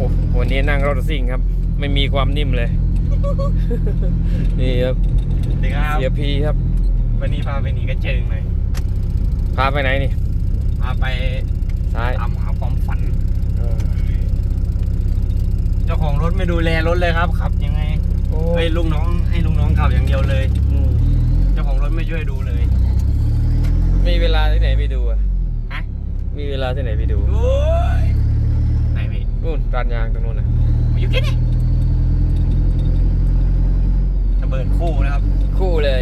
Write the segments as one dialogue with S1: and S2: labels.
S1: วันนี้นั่งรถซิ่งครับ ไม่มีความนิ่มเลย นี่ครับเสียพีครับ
S2: วันนี้พาไปหนีกระเจิงเลย
S1: พาไปไหนนี่
S2: พาไป
S1: ซ้าย
S2: ตามหาความฝันเจ้าของรถไม่ดูแลรถเลยครับขับยังไงให้ลูกน้องขับอย่างเดียวเลยเจ้าของรถไม่ช่วยดูเลย
S1: มีเวลาที่ไหนไปดูอ่ะ
S2: ฮะ
S1: มีเวลาที่ไหนไปดู
S2: ไหนพี่
S1: นู่นร้านยางตรงนู้นนะ
S2: อยู่แค่นี้ระเบิดคู่นะครับ
S1: คู่เลย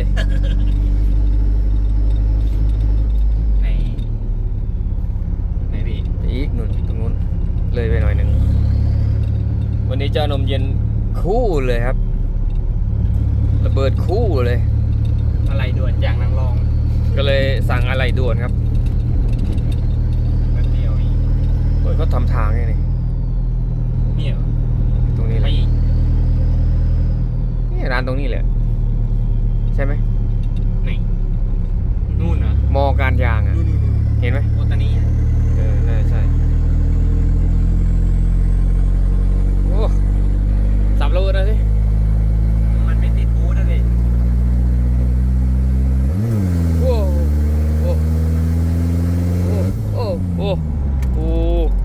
S2: ไหนพี่
S1: อีกนู่นตรงนู้นเลยไปหน่อยหนึ่งวันนี้เจ้านมเย็นคู่เลยครับระเบิดคู่เลย
S2: อะไรด่วนอย่างนางรอง
S1: ก็เลยสั่งอะไรด่วนครับ
S2: แบบเดียวอีก
S1: เขาทำทางไงนี่
S2: เนี่ย
S1: ตรงนี้แหละนี่ร้านตรงนี้แหละใช่ไหม
S2: ไหนนู่นนะ
S1: มอการยางอ่ะเห็นไหม
S2: โอตานี
S1: น่าใช่โอ้สับรูนะสิ
S2: มันไม่ติดบูธนะสิ
S1: โอ้โอ้โอ้โอ้โอ้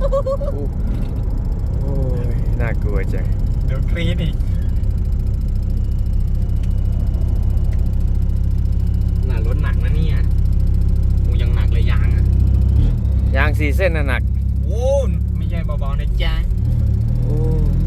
S1: โอ้ยน่ากลัวจัง
S2: เดี๋ยวกรี๊ดอีกหนารถหนักนะเนี่ยกูยังหนักเลยยางอ่ะ
S1: ยาง4 เส้นน่ะหนัก
S2: โอ้ไม่ใช่เบาๆนะจ๊ะ
S1: โอ้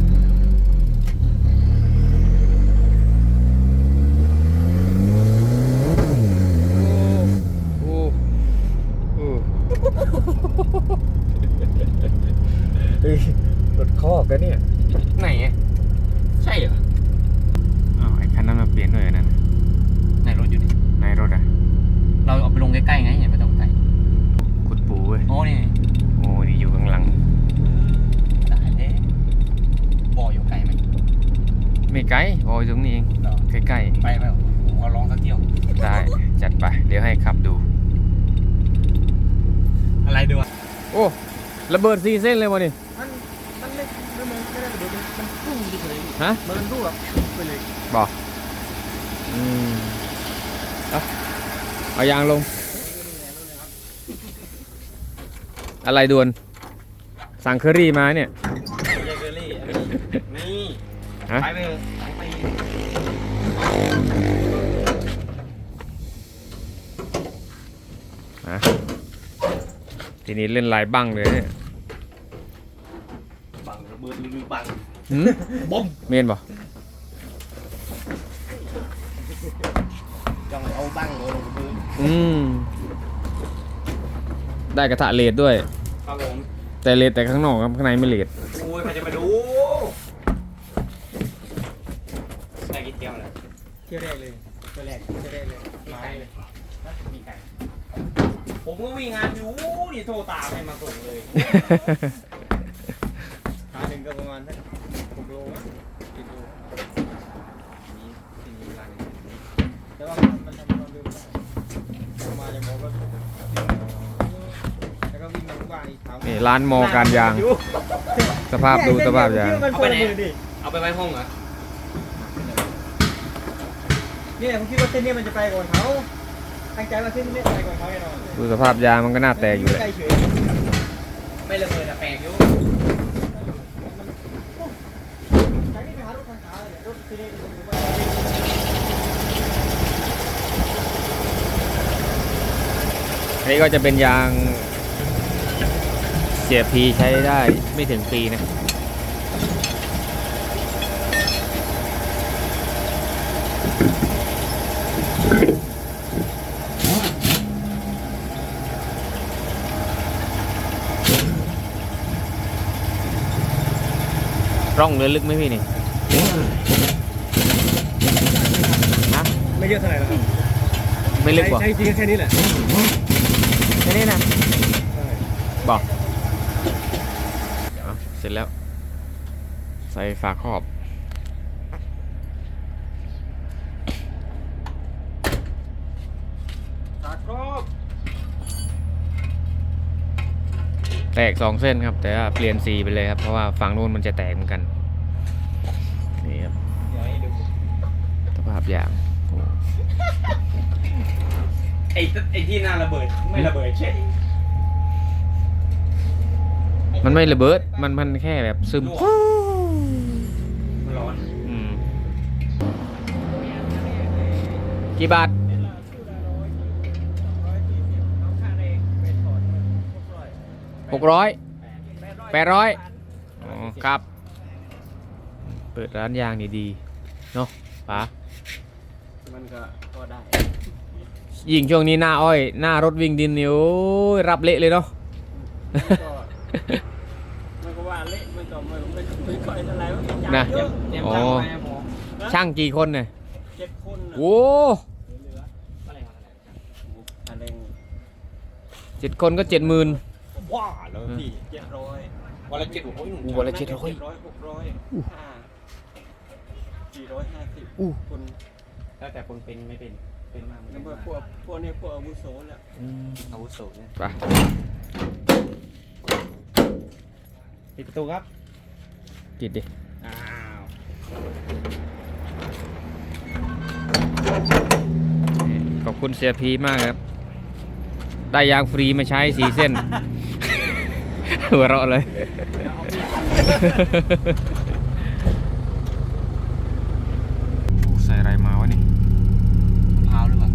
S1: รถคอกกันเนี่ย
S2: ไหนใช่เหรอ
S1: อ้าวไอ้คันนั้นมาเปลี่ยนด้วยนั่น
S2: ในรถอยู่ดิ
S1: ในรถอ่ะ
S2: เราเอาไปลงใกล้ๆไงไม่ต้องไกล
S1: ขุดปูเว้ย
S2: โอ้นี่
S1: อยู่ข้างหลัง
S2: ตายแล้วบ่ออยู่ไกลไหม
S1: ไม่ไกลบ่ออยู่ตรงนี้เองใกล้
S2: ๆไปผมขอลองสักเที่ยว
S1: ได้จัดไปเดี๋ยวให้ขับดู
S2: อะไรดู
S1: โอ้ระเบิด4 เส้นเลยวะนี่
S2: มันไม่ได้ระเบิดมันพุ่งเฉย
S1: ฮะ
S2: มันรุ่งแบบไปเลย
S1: บอกเอายางลงอะไรด่วนสั่งเคอรี่มาเนี่ย
S2: เคอรี่นี่ไปไป
S1: ทีนี้เล่นลายบังเลยเนี่ย
S2: บังระเบิดหรือบัง
S1: บอมเมนบ่
S2: จังเอาบังเลยระเบิด
S1: ได้กระทะเลดด้วย
S2: ครับผม
S1: แต่เลดแต่ข้างนอกครับข้างในไม่เลด
S2: โอ้ยใครจะมาดูได้กี่เที่ยวเลยเที่ยวแรกเลยเที่ยวแรกเลยมาเลยมีไก่ผมก็วิ่งงานอยู่นี่โทรตามให้มาส่งเลยหาหนึ่งก็ประมาณสัก6 โลมั้ง7 โลนี่ร้านแต่ว่ามันทำความเร็วได้มาจากหมอก็แล้วก็วิ่งมาทุกวันอีกครั้ง
S1: นี่ร้านมอการยางสภาพดูสภาพยาง
S2: เอาไปไหนเอาไปไว้ห้องเหรอเนี่ยผมคิดว่าเส้นนี้มันจะไปก่อนเขาตั้งใจว่าเส้นนี้ไปก่อนเขาแน่นอน
S1: ดูสภาพยางมันก็น่าแตกอยู่เลย
S2: ไม่ระเบิดแต่แปลกอยู่
S1: อันนี้ก็จะเป็นยางเสียพีใช้ได้ไม่ถึงปีนะร่องเรือลึกไหมพี่นี่ฮะ
S2: ไม่เยอะเท่าไหร่หรอกครับ
S1: ไม่ลึกกว่า
S2: ใช่จริงแค่นี้แหละ
S1: แค่นี้นะบอกเสร็จแล้วใส่ฝาครอบแตก2 เส้นครับ แต่ว่าเปลี่ยนสีไปเลยครับ เพราะว่าฝั่งนู้นมันจะแตกเหมือนกัน นี่ครับ
S2: เดี๋ยวให้ดู
S1: สภาพอย่างโอ้
S2: ไอ้ที่หน้าระเบิดไม่ระเบิดใช่
S1: มันไม่ระเบิด มันแค่แบบซึม
S2: มันร้อน
S1: อืมกี่บาท 600 800 อ๋อครับ เปิดร้านยางนี่ดีเนาะป๋า
S2: มันก็ได้
S1: ยิ่งช่วงนี้หน้าอ้อย หน้ารถวิ่งดินนี่โอ้ยรับเละเลยเนาะ
S2: มันก็ว่าเละมันก็ไม่ค่อยเท่าไหร่มัน
S1: นะ
S2: เยอะเตรียม
S1: อ๋อ
S2: ตังค์ไปนะผม
S1: ช่างกี่คนเนี่ย
S2: 7 คนน่ะ
S1: โอ้
S2: เหลืออะไรอะไร
S1: 7 คนก็ 70,000
S2: ว้าแล้วพี่700วันละ700
S1: วันละ700
S2: 600 450
S1: อู้
S2: คนแล้วแต่คนเป็นไม่เป็นมากแล้วพวกนี้พวกอาวุโสแหละอาวุโสเนี่ย
S1: ไป
S2: ปิดประตูครับ
S1: ปิดดิ
S2: อ้าว
S1: ขอบคุณเสียพีมากครับ ได้ยางฟรีมาใช้4 เส้น หัวเราะเลย ใส่อะไรมาวะนี่
S2: พาวหรือเปล่า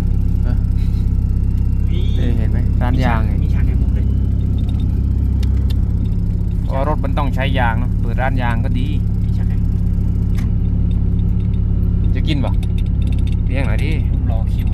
S1: เห็นไหมร้านยางไง
S2: มีฉากแข่งมุกเลย
S1: เพราะรถมันต้องใช้ยางเนาะเปิดร้านยางก็ดี
S2: มีฉากแข่ง
S1: จะกินป่ะเลี้ยงหน่อยดิ
S2: รอคิว